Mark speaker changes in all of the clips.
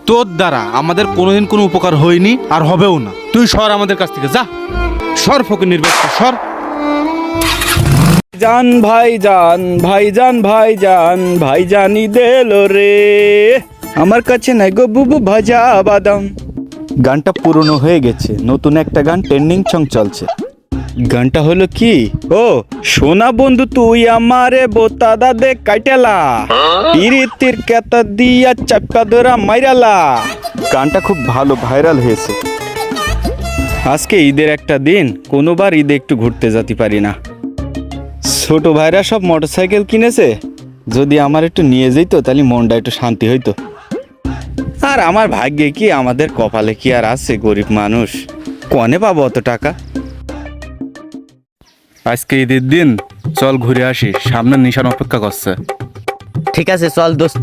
Speaker 1: তোর দ্বারা আমাদের কোনোদিন কোনো উপকার হয়নি আর হবেও না। তুই সর আমাদের কাছ থেকে, যা সর, ফকির বাচ্চা সর।
Speaker 2: জান ভাইজান ভাইজান ভাইজান ভাইজানি দেলো রে, আমার কাছে নাই গো বুবু ভাজা বাদাম। গানটা পুরনো হয়ে গেছে, নতুন একটা গান ট্রেন্ডিং সং চলছে। গানটা হলো কি, ও সোনা বন্ধু তুই আমারে বোতাদা দে কাইটেলা, পিরিতির কেতা দিয়া চাপা ধরা মাইরালা। গানটা খুব ভালো ভাইরাল হয়েছে। আজকে ঈদের একটা দিন, কোনোবার ঈদে একটু ঘুরতে যেতে পারি না। ছোট ভাইরা সব মোটরসাইকেল কিনেছে, যদি আমার একটু নিয়ে যেত তাহলে মনটা একটু শান্তি হইতো। আর আমার ভাগ্যে কি, আমাদের কপালে কি আর আছে, গরিব মানুষ, কনে পাবো অত টাকা।
Speaker 1: আজকে ঈদের দিন, চল ঘুরে আসি, সামনে নিশান অপেক্ষা করছে।
Speaker 3: ঠিক আছে চল দোস্ত।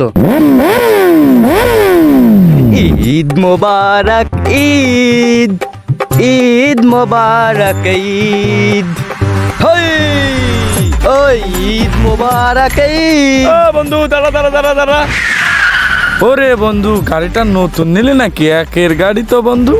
Speaker 3: ঈদ মোবারক ঈদ, ঈদ মোবারক ঈদ, হই ওই ঈদ মোবারক ঈদ।
Speaker 2: বন্ধু দাঁড়া দাঁড়া দাঁড়া দাঁড়া।
Speaker 4: ওরে বন্ধু, গাড়িটা নতুন নিলে নাকি? একের গাড়ি তো বন্ধু।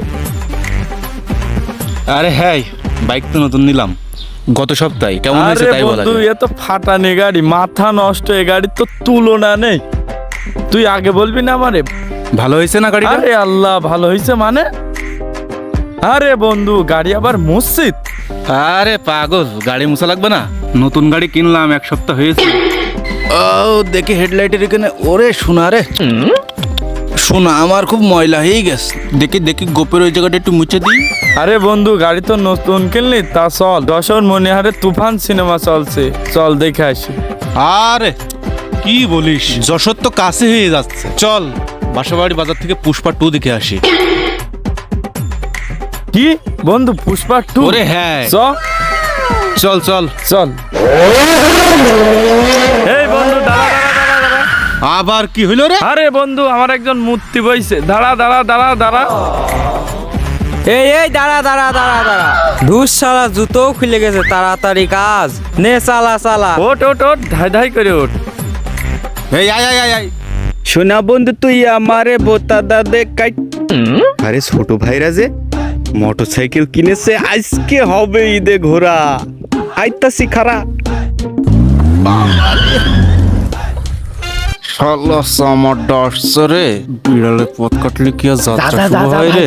Speaker 1: আরে হ্যাঁ, বাইক তো নতুন নিলাম গত সপ্তাহে। কেমন হয়েছে
Speaker 4: আরে
Speaker 1: তাই বলা
Speaker 4: বন্ধু,
Speaker 1: যায়।
Speaker 4: এ তো ফাটানি গাড়ি, মাথা নষ্ট। এ গাড়ি তো তুলনা নেই। তুই আগে বলবি না আমারে?
Speaker 1: ভালো হয়েছে না গাড়িটা?
Speaker 4: আরে আল্লাহ, ভালো হয়েছে মানে? আরে বন্ধু, গাড়ি আবার মসজিদ।
Speaker 1: আরে পাগল, গাড়ি মুছা লাগবে না? নতুন গাড়ি কিনলাম, এক সপ্তাহ হয়েছে। ও দেখি হেডলাইটের এখানে, ওরে শোনা রে শোনা, আমার খুব ময়লা হয়ে গেছে। দেখি দেখি গোপের ওই জায়গাটা একটু মুছে দিই।
Speaker 4: আরে বন্ধু, গাড়ি তো নতুন কিনলি, তা চল, যশোর মনিহারে তুফান সিনেমা চলছে, চল দেখে আসি।
Speaker 1: আরে কি বলিস, যশোর তো কাছে হয়ে যাচ্ছে, চল বাসাবাড়ি বাজার থেকে পুষ্পা 2 দেখে আসি।
Speaker 4: কি বন্ধু, পুষ্পা 2?
Speaker 1: ওরে হ্যাঁ, চল চল
Speaker 4: চল। এই বন্ধু, দাঁড়া দাঁড়া দাঁড়া দাঁড়া।
Speaker 1: আবার কি হইল রে?
Speaker 4: আরে বন্ধু, আমার একজন মূর্তি বইছে, দাঁড়া দাঁড়া দাঁড়া দাঁড়া।
Speaker 3: এই এই দাঁড়া দাঁড়া দাঁড়া দাঁড়া, ধুস শালা জুতো খুলে গেছে, তাড়াতাড়ি কাজ নে, চালা চালা।
Speaker 4: ওট ওট ওট, ধাই ধাই করে ওঠ।
Speaker 1: এই আয় আয় আয় আয়।
Speaker 2: সোনা বন্ধু তুই আমারে বোতাদা দে কাইট। আরে ছোট ভাইরা যে মোটরসাইকেল কিনেছে, আজকে হবে ঈদে ঘোরা। আইতাছি খারা।
Speaker 1: শালা আমার ডাসছে রে, বিড়ালে পথ কাটলে কি আর যাত্রা শুরু হয় রে?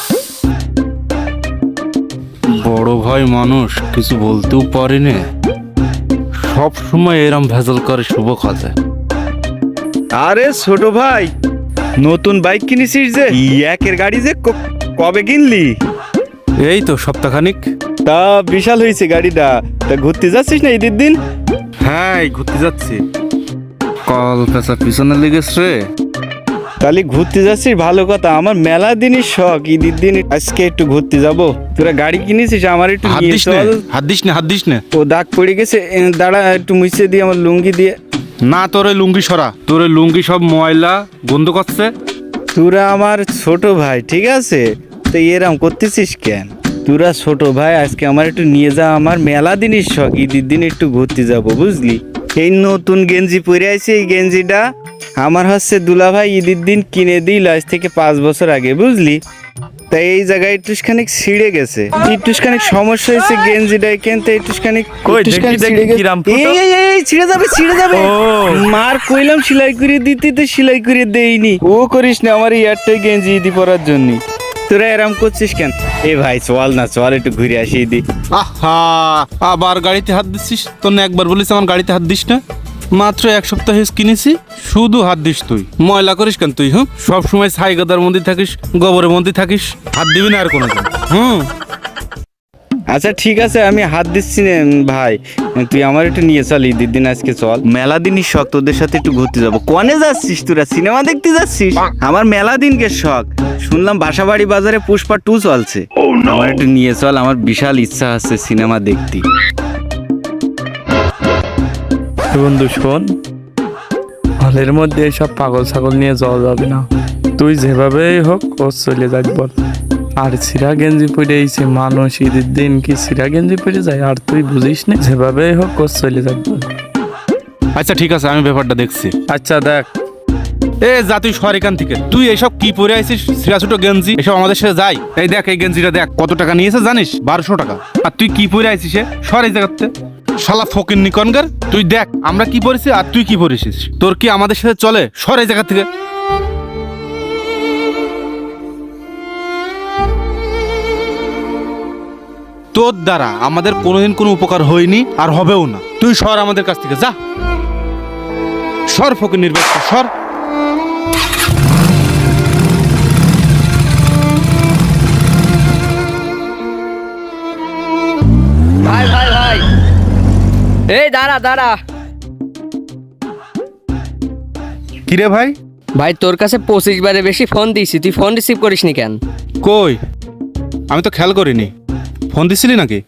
Speaker 1: বড় ভাই মানুষ, কিছু বলতেও পারি না, সব সময় এরম ভেজাল করে শুভ খাতে।
Speaker 2: আরে ছোট ভাই, নতুন বাইক কিনেছিস যে, একের গাড়ি যে কবে কিনলি?
Speaker 1: এই তো সপ্তাহখানিক।
Speaker 2: তা বিশাল হয়েছে গাড়িটা। তা ঘুরতে যাচ্ছিস না ঈদের দিন?
Speaker 1: হ্যাঁ, এই ঘুরতে যাচ্ছি। কল পেঁচা পিছনে লেগেছে রে।
Speaker 2: তাহলে ঘুরতে যাচ্ছিস, ভালো কথা। আমার মেলা দিনই শখ, ঈদের দিন আজকে একটু ঘুরতে যাব। তোরা গাড়ি কিনেছিস, আমার একটু
Speaker 1: হাত
Speaker 2: নিয়ে
Speaker 1: দিস না,
Speaker 2: চল।
Speaker 1: হাত দিস না, হাত দিস না।
Speaker 2: ও দাগ পড়ে গেছে, দাঁড়া একটু মুছে দিয়ে, আমার লুঙ্গি দিয়ে।
Speaker 1: না, তোর ওই লুঙ্গি সরা, তোর ওই লুঙ্গি সব ময়লা গন্ধ করছে।
Speaker 2: তোরা আমার ছোট ভাই, ঠিক আছে? তো এরম করতেছিস কেন? তোরা ছোট ভাই, আজকে আমার একটু নিয়ে যা, আমার মেলা দিনই শখ, ঈদের দিন একটু ঘুরতে যাব, বুঝলি? এই নতুন গেঞ্জি পরে আছে, এই গেঞ্জিটা আমার হচ্ছে দুলা ভাই ঈদের দিন কিনে দিল, আজ থেকে 5 বছর আগে, বুঝলি? তাই এই জায়গায় একটুখানি ছিঁড়ে গেছে, একটুখানি সমস্যা হয়েছে গেঞ্জিটা কিনতে, একটুখানি
Speaker 4: কই দেখি দেখি কিরাম ফুটো।
Speaker 2: এই ছিঁড়ে যাবে, ছিঁড়ে যাবে।
Speaker 4: ও।
Speaker 2: মার কইলাম সেলাই করে দিতে, তো সেলাই করে দেইনি। ও করিস না, আমার ইয়ারটাই গেঞ্জি ঈদি পরার জন্য। তোরা এরম করছিস কেন? এ ভাই চল না, চল একটু ঘুরে আসি ঈদি।
Speaker 1: আহা, আবার গাড়িতে হাত দিচ্ছিস? তোর না একবার বলিস আমার গাড়িতে হাত দিস না? মাত্র 1 সপ্তাহ কিনেছি, শুধু হাত দিস তুই। ময়লা করিস কেন তুই? সব সময় ছাই গাদার মধ্যে থাকিস, গোবরের মধ্যে থাকিস, হাত দিবি না আর কোনোদিন।
Speaker 2: আচ্ছা ঠিক আছে, আমি হাত দিচ্ছি না ভাই, তুই আমার একটু নিয়ে চল ঈদের দিন, আজকে চল। মেলা দিনই শখ, তোদের সাথে একটু ঘুরতে যাবো। কনে যাচ্ছিস তোরা? সিনেমা দেখতে যাচ্ছিস? আমার মেলা দিনকে শখ, শুনলাম বাসাবাড়ি বাজারে পুষ্পা 2 চলছে, আমার একটু নিয়ে চল, আমার বিশাল ইচ্ছা আছে সিনেমা দেখতে।
Speaker 4: বন্ধু শোন, হলের মধ্যে এসব পাগল ছাগল নিয়ে যাওয়া যাবে না। তুই যেভাবেই হোক ও চলে যাক বল। আর সিরা গেঞ্জি পরে এইছে মানুষ, ঈদের দিন কি সিরা গেঞ্জি পরে যায়? আর তুই বুঝিস না, যেভাবেই হোক ও চলে যাক বল।
Speaker 1: আচ্ছা ঠিক আছে, আমি ব্যাপারটা দেখছি।
Speaker 4: আচ্ছা দেখ।
Speaker 1: এ যা তুই সর এখান থেকে। তুই এসব কি পরে আইছিস? ছিঁড়া ছোট গেঞ্জি, এসব আমাদের সাথে যাই। এই দেখ, এই গেঞ্জিটা দেখ কত টাকা নিয়েছে জানিস? 1200 টাকা। আর তুই কি পরে আইছিস? সর এই জায়গাতে। শালা ফকির নিকনগার, তুই দেখ আমরা কি পরেছি আর তুই কি পরেছিস। তোর কি আমাদের সাথে চলে? সর এই জায়গা থেকে। তোর দ্বারা আমাদের কোনোদিন কোনো উপকার হয়নি আর হবেও না। তুই সর আমাদের কাছ থেকে, যা সর ফকির নির্বাচন, সর।
Speaker 3: ভাই ভাই ভাই, এই দাঁড়া দাঁড়া।
Speaker 1: কিরে ভাই?
Speaker 3: ভাই তোর কাছে 25 বারে বেশি ফোন দিয়েছি, তুই ফোন রিসিভ করিসনি কেন?
Speaker 1: কই, আমি তো খেয়াল করিনি। ফোন দিছিলি নাকি?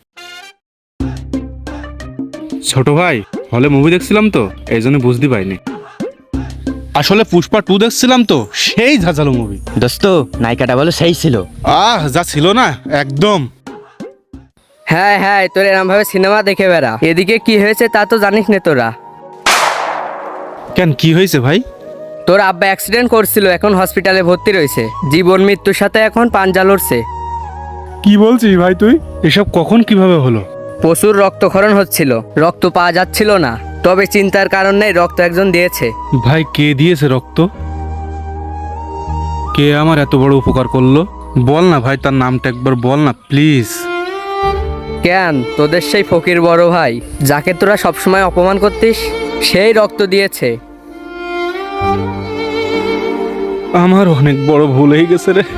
Speaker 1: ছোট ভাই, হলে মুভি দেখছিলাম তো, এই জন্য বুঝতে পারিনি। আসলে পুষ্পা 2 দেখছিলাম তো, সেই ঝাঁঝালো মুভি।
Speaker 5: দোস্ত নায়িকাটা বলো সেই ছিল।
Speaker 1: যা ছিল না একদম।
Speaker 3: হ্যাঁ হ্যাঁ, তোর এরম ভাবে সিনেমা দেখে বেড়া। এদিকে কি হয়েছে তা তো জানিস না তোরা।
Speaker 1: কেন, কি হয়েছে ভাই?
Speaker 3: তোর আব্বা অ্যাক্সিডেন্ট করছিল, এখন হসপিটালে ভর্তি রয়েছে। জীবন মৃত্যুর সাথে এখন পাঞ্জা লড়ছে।
Speaker 1: কি বলছিস ভাই তুই? এসব কখন কিভাবে হলো?
Speaker 3: প্রচুর রক্তক্ষরণ হচ্ছিল, রক্ত পাওয়া যাচ্ছিল না। তবে চিন্তার কারণ নেই, রক্ত একজন দিয়েছে।
Speaker 1: ভাই কে দিয়েছে রক্ত? কে আমার এত বড় উপকার করলো? বল না ভাই, তার নামটা একবার বল না প্লিজ।
Speaker 3: কেন, তোদের সেই ফকির বড় ভাই যাকে তোরা সবসময় অপমান করতিস, সেই রক্ত দিয়েছে।
Speaker 1: আমার অনেক বড় ভুল হয়ে গেছে রে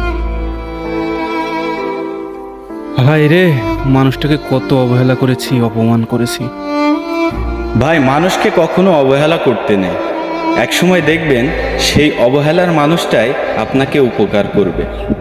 Speaker 1: ভাই রে। মানুষটাকে কত অবহেলা করেছি, অপমান করেছি।
Speaker 2: ভাই, মানুষকে কখনো অবহেলা করতে নেই। একসময় দেখবেন সেই অবহেলার মানুষটাই আপনাকে উপকার করবে।